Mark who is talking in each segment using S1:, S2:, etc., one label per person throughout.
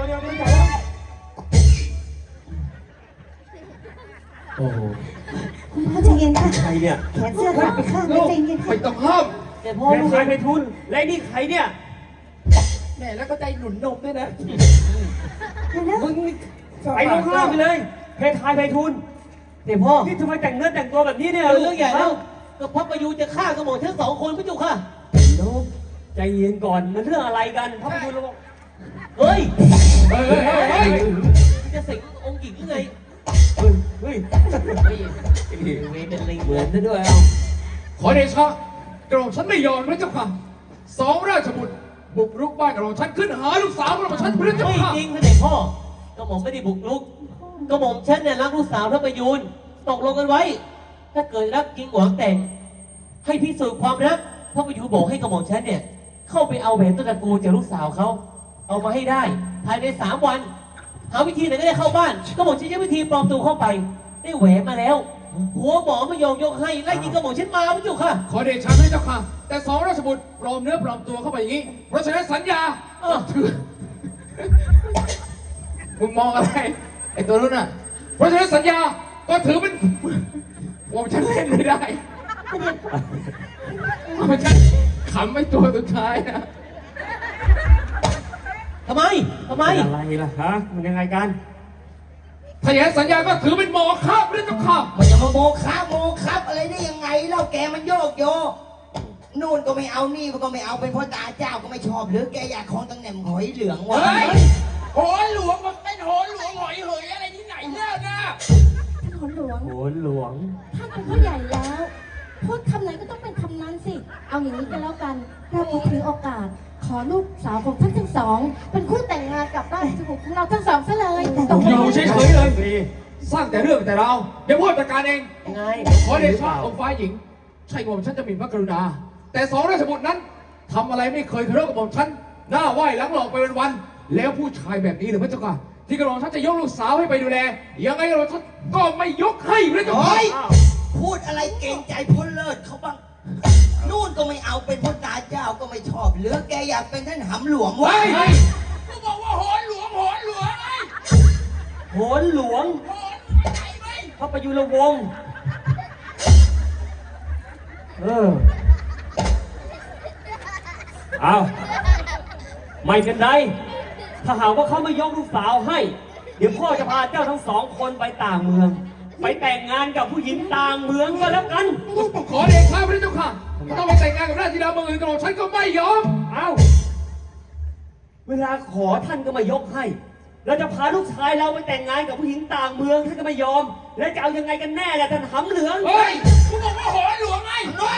S1: เดี๋ยวไม่จ่ายแล้วโอ้โห
S2: คุณพ่อใจเย็นค่ะ
S1: ใครเนี่ย
S2: แขนเสื้อขาดไปข้างไม่ใจเย็นค่ะ
S3: ไม่ต้องห้าม
S1: แต่พ่อลูกชายไปทุนและนี่ใครเนี่ย
S3: แม่แล้วก็ใจหนุนนมด้วยนะ
S1: มึงไปลงข้างล่างไปเลยเพทายไปทุนเดี๋ยวพ่อนี่ทำไมแต่งเนื้อแต่งตัวแบบนี้เนี่ย
S4: เรื่องใหญ่แล้วก็พระประยูจะฆ่ากระหม่อมทั้งสองคนพี่จุกค่ะ
S1: ใจเย็นก่อนมันเรื่องอะไรกันพระประยูเราบอก
S4: เฮ้ยจะสิงองค์หญิงยังไง
S1: เฮ้ย
S4: เวเป็นลิงเหมือนซะด้วยเอา
S3: ขอเดชะกระหม่อมฉันไม่ยอมพระเจ้าค่ะสองราชบุตรบุกรุกบ้านกระหม่อมฉันขึ้นหาลูกสาวกระหม่อมฉันพระเจ้า
S4: ไม่
S3: ค่ะ
S4: จริงท่านเด็กพ่อกระหม่อมไม่ได้บุกรุกกระหม่อมฉันเนี่ยรักลูกสาวพระประยูนตกลงกันไว้ถ้าเกิดรักจริงหวังแต่งให้พิสูจน์ความรักพระประยูนบอกให้กระหม่อมฉันเนี่ยเข้าไปเอาแหวนต้นตระกูลจากลูกสาวเขาเอามาให้ได้ภายใน3 วันหาวิธีไหนก็ได้เข้าบ้านกระหม่อมฉันใช้วิธีปลอมตัวเข้าไปได้แหวนมาแล้วหัวหมอไม่ยอมยกให้ไล่ยิงกระหม่อมฉันมาพี่จุกค่ะ
S3: ขอเดชะพระเจ้าค่ะแต่สองราชบุตรปลอมเนื้อปลอมตัวเข้าไปอย่างนี้เพราะฉะนั้นสัญญาถือมึงมองอะไรไอ้ตัวนู้นน่ะเพราะฉะนั้นสัญญาก็ถือเป็นว่าฉันเล่นไม่ได้เพราะฉันขำไม่ตัวสุดท้ายนะ
S4: ทำไม
S1: อะไรล่ะฮะมันยังไงกัน
S3: ถ้าอย่างนั้นสัญญาก็ถือเป็นโมฆะพระเจ้าค่ะ
S5: มันจะมาโมครับอะไรได้ยังไงเล่าแกมันโยกโยนู่นก็ไม่เอานี่ก็ไม่เอาเป็นพ่อตาเจ้าก็ไม่ชอบหรือแกอยากของตำแหน่งหอยเหลืองวะ
S3: โหนหลวงมันเป็นโหนหลวงหอยเหยอะไรที่ไหนเนี่ยนะ
S2: ท่านหนหลวง
S1: โหนหลวง
S2: ท่านเป็นผู้ใหญ่แล้วพูดคำไหนก็ต้องเป็นคำนั้นสิเอาอย่างนี้กันแล้วกันเราถือโอกาสขอลูกสาวของท่านทั้งสองเป็นคู่แต่งงานกับราชบุตรของเราทั้งสองซะเลย
S3: อยู่เฉยๆเลยสร้างแต่เรื่องแต่เราเดี๋ยวพูดจัดการเอง
S4: ไง
S3: ขอเดชะองค์ฟ้าหญิงใช่กระหม่อมฉันจะมีพระกรุณาแต่สองราชบุตรนั้นทำอะไรไม่เคยเคารพกระหม่อมฉันหน้าไหว้หลังหลอกไปวันๆแล้วผู้ชายแบบนี้หรือพระเจ้าค่ะที่กระหม่อมฉันจะยกลูกสาวให้ไปดูแลยังไงกระหม่อมฉันก็ไม่ยกให้พระเจ้าค่ะ
S5: พูดอะไรเกรงใจพ้นเลิศเขาบ้างนู่นก็ไม่เอาเป็นพ่อตาเจ้าก็ไม่ชอบหรือแกอยากเป็นท่านหำหลวงวะ
S3: ก็บอกว่าโหนหลวงไง
S1: โหนหลวงพระประยุรวงศ์เอาไม่เป็นไรถ้าหากว่าเขาไม่ยกลูกสาวให้เดี๋ยวพ่อจะพาเจ้าทั้งสองคนไปต่างเมืองไปแต่งงานกับผู้หญิงต่างเมืองก็แล้วกัน
S3: ขอเดชะพระเจ้าค่ะต้องไปแต่งงานกับราชธิดาเมืองอื่นกระหม่อมฉันก็ไม่ยอม
S1: เวลาขอท่านก็ไม่ยกให้เราจะพาลูกชายเราไปแต่งงานกับผู้หญิงต่างเมืองท่านก็ไม่ยอมแล้วจะเอายังไงกันแน่ล่ะท่านหำเหลือง
S3: เฮ้ยกูบอกว่าโหนหลวงไง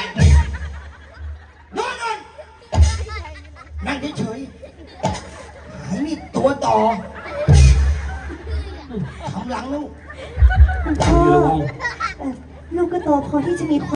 S5: นอนนั่งเฉยๆหายนี่ตัวต่อทำหลังลูก
S2: พ่อลูกก็โตพอที่จะมี